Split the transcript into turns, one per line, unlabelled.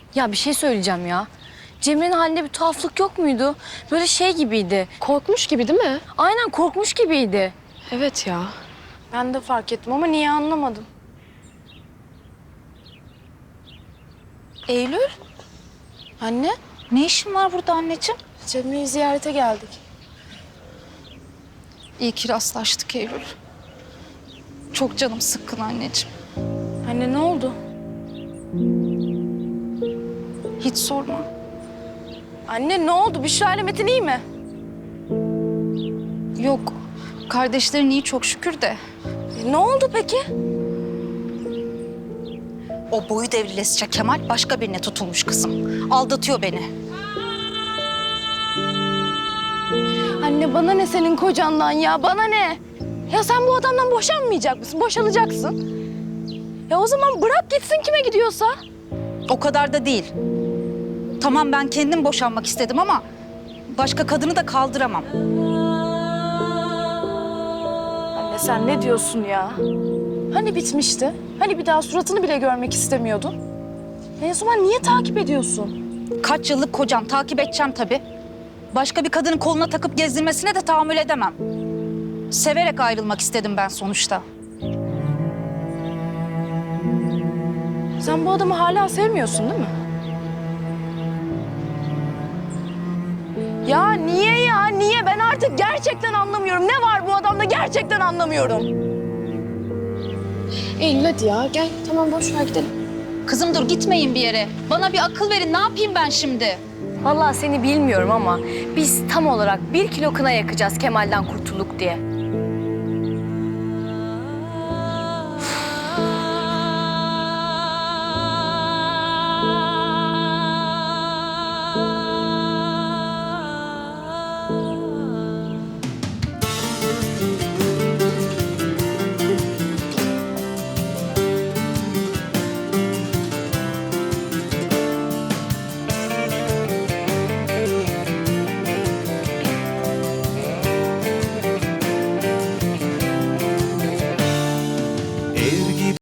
Ya bir şey söyleyeceğim ya. Cemre'nin halinde bir tuhaflık yok muydu? Böyle şey gibiydi.
Korkmuş gibi değil mi?
Aynen korkmuş gibiydi.
Evet ya.
Ben de fark ettim ama niye anlamadım. Eylül? Anne,
Ne işin var burada anneciğim?
Cemre'yi ziyarete geldik.
İyi ki rastlaştık Eylül. Çok canım sıkkın anneciğim.
Anne ne oldu?
Hiç sorma.
Anne ne oldu? Büşra ile Metin iyi mi?
Yok, kardeşlerin iyi çok şükür de.
Ne oldu peki?
O boyu devrilesice Kemal başka birine tutulmuş kızım. Aldatıyor beni.
Anne bana ne senin kocandan ya? Bana ne? Ya sen bu adamdan boşanmayacak mısın? Boşanacaksın. Ya o zaman bırak gitsin kime gidiyorsa.
O kadar da değil. Tamam ben kendim boşanmak istedim ama başka kadını da kaldıramam.
Anne sen ne diyorsun ya? Hani bitmişti? Hani bir daha suratını bile görmek istemiyordun? O zaman niye takip ediyorsun?
Kaç yıllık kocam, takip edeceğim tabii. Başka bir kadının koluna takıp gezdirmesine de tahammül edemem. Severek ayrılmak istedim ben sonuçta.
Sen bu adamı hala sevmiyorsun değil mi? Ya niye ya? Niye? Ben artık gerçekten anlamıyorum. Ne var bu adamda gerçekten anlamıyorum.
Eylül hadi ya gel. Tamam boş ver gidelim.
Kızım dur gitmeyin bir yere. Bana bir akıl verin. Ne yapayım ben şimdi?
Vallahi seni bilmiyorum ama biz tam olarak 1 kilo kına yakacağız Kemal'den kurtulduk diye.